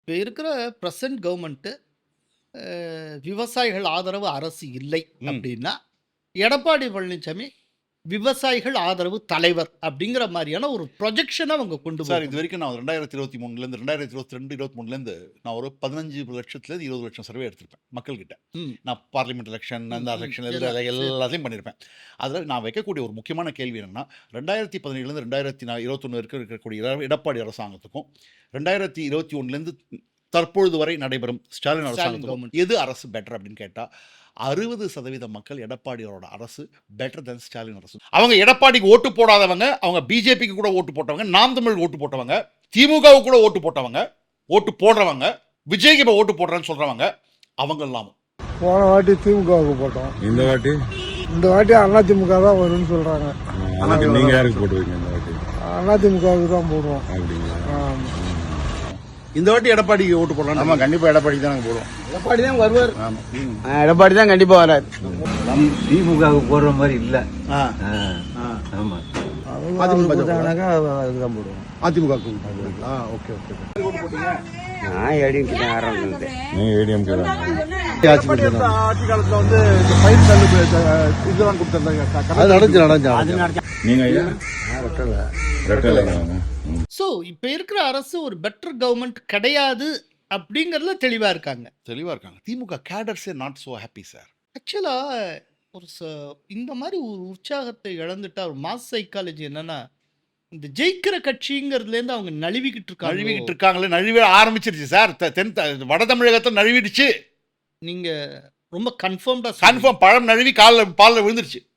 இப்ப இருக்கிற present government விவசாயிகள் ஆதரவு அரசு இல்லை ம். அப்படின்னா, எடப்பாடி பழனிசாமி விவசாயிகள் ஆதரவு தலைவர் அப்படிங்கிற மாரியான ஒரு ப்ரொஜெக்ஷன அவங்க கொண்டு சார் இது போறாங்க. வரைக்கும் நான் 2023லேருந்து 2022, 23லேருந்து நான் ஒரு 15 லட்சத்துலேருந்து 20 லட்சம் சர்வே எடுத்திருப்பேன் மக்கள்கிட்ட. ம். நான் பார்லிமெண்ட் எலெக்ஷன் அந்த ம். எலெக்ஷன் எல்லாம் சரி. எல்லாத்தையும் பண்ணியிருப்பேன். அதில் நான் வைக்கக்கூடிய ஒரு முக்கியமான கேள்வி என்னென்னா 2017லேருந்து 2021 இருக்கக்கூடிய எடப்பாடி அரசாங்கத்துக்கும் 2021லேருந்து தற்பொழுது வரை நடைபெறும் ஸ்டாலின் அரசாங்கத்துக்கும் government. எது அரசு பெட்டர் அப்படின்னு கேட்டால் 60% மக்கள் எடப்பாடியோட அரசு பெட்டர் தென் ஸ்டாலின் அரசு. அவங்க எடப்பாடிக்கு ஓட்டு போடாதவங்க, அவங்க பிஜேபிக்கு கூட ஓட்டு போட்டவங்க, நாம் தமிழ் ஓட்டு போட்டவங்க, திமுகவுக்கு கூட ஓட்டு போட்டவங்க, ஓட்டு போடுறவங்க, விஜய்க்கு இப்போ ஓட்டு போடுறேன்னு சொல்றவங்க அவங்க எல்லாமும். போன வாட்டி திமுகவுக்கு போட்டோம். இந்த வாட்டி அதிமுக தான் வரும்னு சொல்றாங்க. நீங்க யாருக்கு போடுவீங்க இந்த வாட்டி? அதிமுகவுக்கு தான் போடுவோம். அப்படிங்களா? ஆமா. இந்த வாட்டி எடப்பாடிக்கு ஓட்டு போடலாம். ஆமா, கண்டிப்பா எடப்பாடிக்கு தான் நாங்க போடுவோம். எடப்பாடி தான் வருவார். ஆமா. எடப்பாடி தான் கண்டிப்பா வராது. திமுகவுக்கு போடுற மாதிரி இல்ல. ஆமா, அதிமுக போட்டாங்கன்னாக்கா அதுக்கு தான் போடுவோம். அதிமுக. Okay okay. நான் ஏடிஎம்கே ஆரம்பிச்சேன். நீங்க ஏடிஎம்கே தான். ஆட்சி காலத்துல வந்து இந்த பயிர் தள்ளுபடி இதெல்லாம் கொடுத்தாங்க. அது நடந்து. நீங்க ஐயா ரெட்டலை வாங்க. ஸோ இப்ப இருக்கிற அரசு ஒரு பெட்டர் கவர்மெண்ட் கிடையாது அப்படிங்கிறதுல தெளிவா இருக்காங்க. தெளிவாக இருக்காங்க. திமுக கேடர்ஸே நாட் ஸோ ஹாப்பி சார். ஆக்சுவலா ஒரு இந்த மாதிரி ஒரு உற்சாகத்தை இழந்துட்டா ஒரு மாஸ் சைக்காலஜி என்னன்னா, இந்த ஜெயிக்கிற கட்சிங்கிறதுலேருந்து அவங்க நழுவிக்கிட்டு நழுவிக்கிட்டு இருக்காங்க. இருக்காங்களே, நழுவ ஆரம்பிச்சிருச்சு சார். வட தமிழகத்தை நழுவிடுச்சு. நீங்க ரொம்ப கன்ஃபார்ம்டா கன்ஃபார்ம் பழம் நழுவி பாலில் விழுந்துருச்சு.